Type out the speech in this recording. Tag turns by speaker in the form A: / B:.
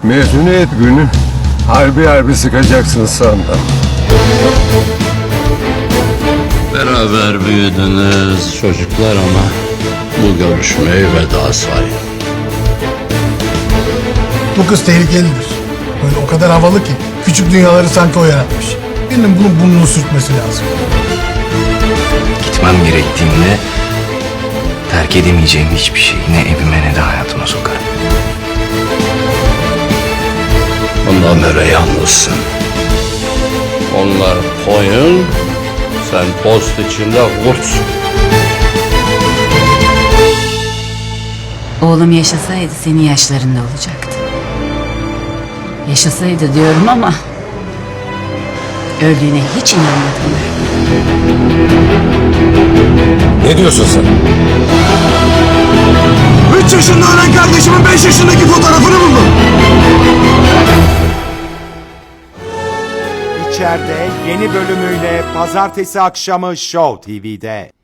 A: Mezuniyet günü harbi sıkacaksın sandım.
B: Beraber büyüdünüz çocuklar ama bu görüşmeyi veda sayın.
C: Bu kız tehlikelidir. Böyle o kadar havalı ki küçük dünyaları sanki o yaratmış. Birinin bunun burnunu sürtmesi lazım.
D: Gitmem gerektiğinde terk edemeyeceğim hiçbir şeyi ne evime ne de hayatıma sokarım.
B: Ondan beri yalnızsın. Onlar koyun, sen post içinde kurtsun.
E: Oğlum yaşasaydı senin yaşlarında olacaktı. Yaşasaydı diyorum ama öldüğüne hiç inanmadım.
A: Ne diyorsun sen?
C: 3 yaşında ölen kardeşimin 5 yaşındaki fotoğrafını buldum.
F: İçeride yeni bölümüyle pazartesi akşamı Show TV'de.